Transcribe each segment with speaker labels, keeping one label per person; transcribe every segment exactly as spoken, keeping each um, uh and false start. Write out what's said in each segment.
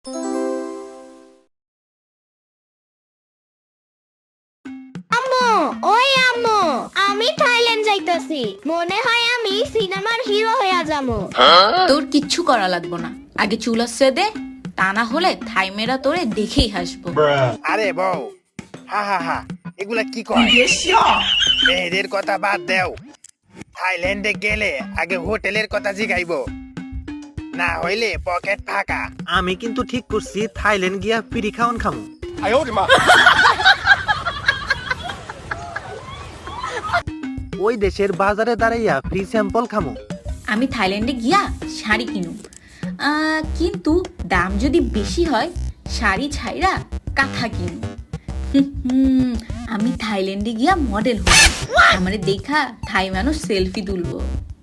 Speaker 1: আম্মু, ওই আম্মু, আমি থাইল্যান্ড যাইতাছি। মনে হয় আমি সিনেমার হিরো হইয়া যাবো।
Speaker 2: তোর কিচ্ছু করা লাগবো না, আগে চুল আসছে দে, তা না হলে থাই মেরা তোরে দেখেই হাসবো।
Speaker 3: আরে বউ, হা হা হা, এগুলা কি কয়? মেয়েদের কথা বাদ দেও, থাইল্যান্ডে গেলে আগে হোটেলের কথা জিগাইবো, না হইলে পকেট ফাঁকা।
Speaker 4: আমি কিন্তু ঠিক করছি থাইল্যান্ড গিয়া পিড়ি খাওয়ান খামু। ওই দেশের বাজারে দাঁড়াইয়া ফ্রি স্যাম্পল খামু।
Speaker 2: আমি থাইল্যান্ডে গিয়া শাড়ি কিনুম, আহ, কিন্তু দাম যদি বেশি হয় শাড়ি ছাইরা কাঁথা কিনুম। হুম, আমি থাইল্যান্ডে গিয়া মডেল হব, আমারে দেখা থাই মানুষ সেলফি তুলবো।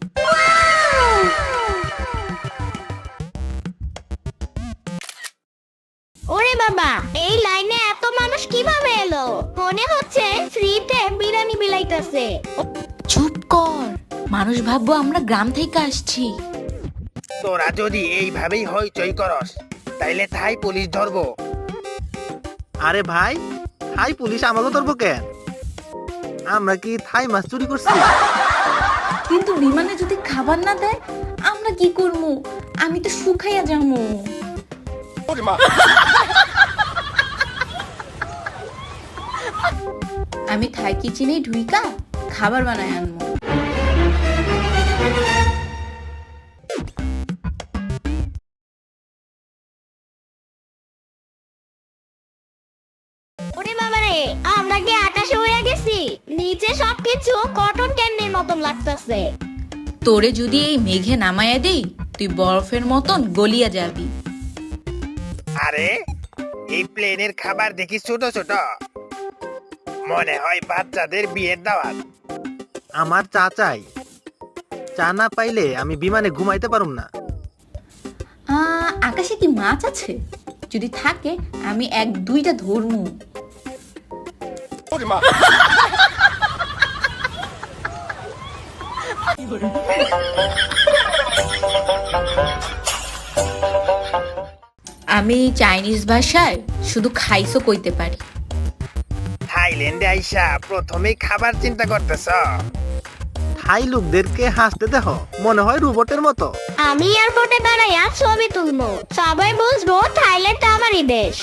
Speaker 1: ওরে বাবা, এই লাইনে এত মানুষ কিভাবে এলো? মনে হচ্ছে ফ্রিতে বিরিয়ানি বিলাইতেছে।
Speaker 2: চুপ কর, মানুষ ভাববো আমরা গ্রাম থেকে আসছি।
Speaker 3: তোরা যদি এইভাবেই হইচই করস তাইলে থাই পুলিশ ধরবো।
Speaker 4: আরে ভাই, থাই পুলিশ আমাকে ধরবো কেন? আমরা কি থাই মাছ চুরি করছি?
Speaker 2: কিন্তু বিমানে যদি খাবার না দেয় আমরা কি করবো? আমি তো শুকাইয়া যাবো। আমি থাই কিচেনে ঢুইকা খাবার বানায় আনবো।
Speaker 1: ওরে বাবা রে, আমরা কি আকাশে উড়ে গেছি? নিচে সবকিছু কটন ক্যান্ডির মতন লাগতেছে।
Speaker 2: তোরে যদি এই মেঘে নামায়া দেই তুই বরফের মতন গলিয়া যাবি।
Speaker 3: আরে এই প্লেনের খাবার দেখি ছোট ছোট, মনে হয় বাচ্চাদের বিয়ের দাওয়াত।
Speaker 4: আমার চা চাই, চা না পাইলে আমি বিমানে ঘুমাইতে পারুম না।
Speaker 2: আহ, আকাশে কি মাছ আছে? যদি থাকে আমি এক দুইটা ধরমু। আমি চাইনিজ ভাষায় শুধু খাইছো কইতে পারি।
Speaker 3: থাইল্যান্ডে আইসা প্রথমেই খাবার চিন্তা করতেছ?
Speaker 4: থাই লোকদেরকে হাসতে দেহ, মনে হয় রোবটের মতো।
Speaker 1: আমি এয়ারপোর্টে দাঁড়াইয়া ছবি তুলবো, সবাই বুঝবো থাইল্যান্ড আমারই দেশ।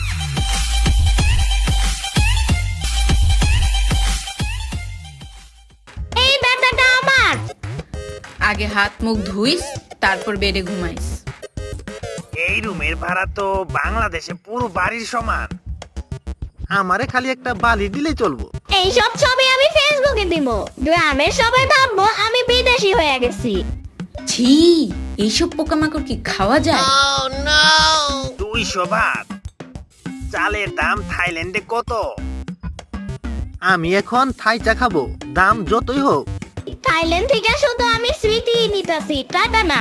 Speaker 1: এই ব্যাটাটা আমার।
Speaker 2: আগে হাত মুখ ধুইস, তারপর বেডে ঘুমাইস।
Speaker 3: এই রুমের ভাড়া তো বাংলাদেশে পুরো বাড়ির সমান।
Speaker 4: আমারে খালি একটা বালি দিলেই চলবো।
Speaker 1: এইসব ছবি আমি ফেসবুকে দিব, গ্রামের সবাই ভাববো আমি বিদেশি হয়ে গেছি।
Speaker 2: ছি, এইসব পোকামাকড় কি খাওয়া যায়?
Speaker 3: দুইশো ভাত। চালের দাম থাইল্যান্ডে কত?
Speaker 4: আমি এখন থাই চা খাবো, দাম যতই হোক।
Speaker 1: থাইল্যান্ড থেকে শুধু আমি স্মৃতি নিতেছি, টাটা না।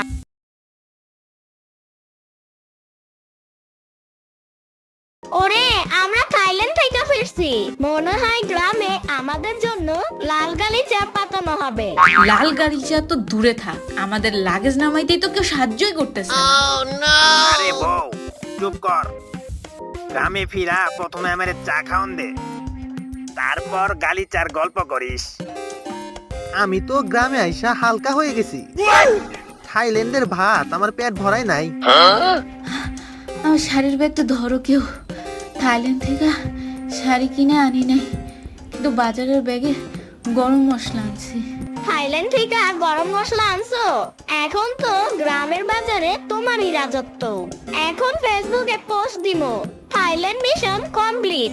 Speaker 1: ওরে, আমরা থাইল্যান্ড থেকে ফিরছি। মনে হয় গ্রামে আমাদের জন্য লাল গালিচা পাতানো হবে।
Speaker 2: লাল গাড়িটা তো দূরে থাক, আমাদের লাগেজ নামাইতেই তো কেউ সাহায্যই করতেছে না।
Speaker 3: আরে বউ, চুপ কর। গ্রামে ফিরা প্রথমে আমার চা খাওন দে, তারপর গালিচার গল্প করিস।
Speaker 4: আমি তো গ্রামে আইসা হালকা হয়ে গেছি। থাইল্যান্ডের ভাত আমার পেট ভরাই নাই।
Speaker 2: আমার শাড়ির ব্যাগটা ধরো কেউ। থাইল্যান্ড থেকে শাড়ি কিনে আনি নাই, কিন্তু বাজারের ব্যাগে গরম মশলা আনছি।
Speaker 1: থাইল্যান্ড থেকে গরম মশলা আনছো? এখন তো গ্রামের বাজারে তোমারই রাজত্ব। এখন ফেসবুকে পোস্ট দিমো, থাইল্যান্ড মিশন কমপ্লিট।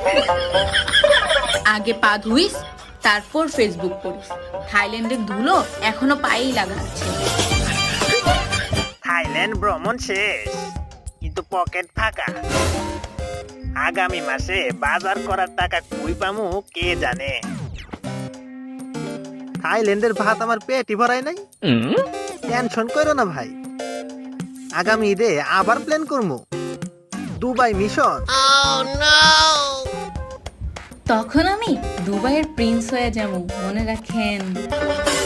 Speaker 2: আগে পা ধুইস, তারপর ফেসবুক করিস। থাইল্যান্ডের ধুলো এখনো পায়েই লাগা আছে।
Speaker 3: থাইল্যান্ড ভ্রমণ শেষ, কিন্তু পকেট ফাঁকা। আগামী মাসে বাজার করার টাকা কই পামু কে জানে।
Speaker 4: থাইল্যান্ডের ভাত আমার পেটই ভরাই নাই। টেনশন করো না ভাই, আগামী ঈদে আবার প্ল্যান করবো দুবাই মিশন।
Speaker 2: তখন আমি দুবাইয়ের প্রিন্স হয়ে যাবো, মনে রাখেন।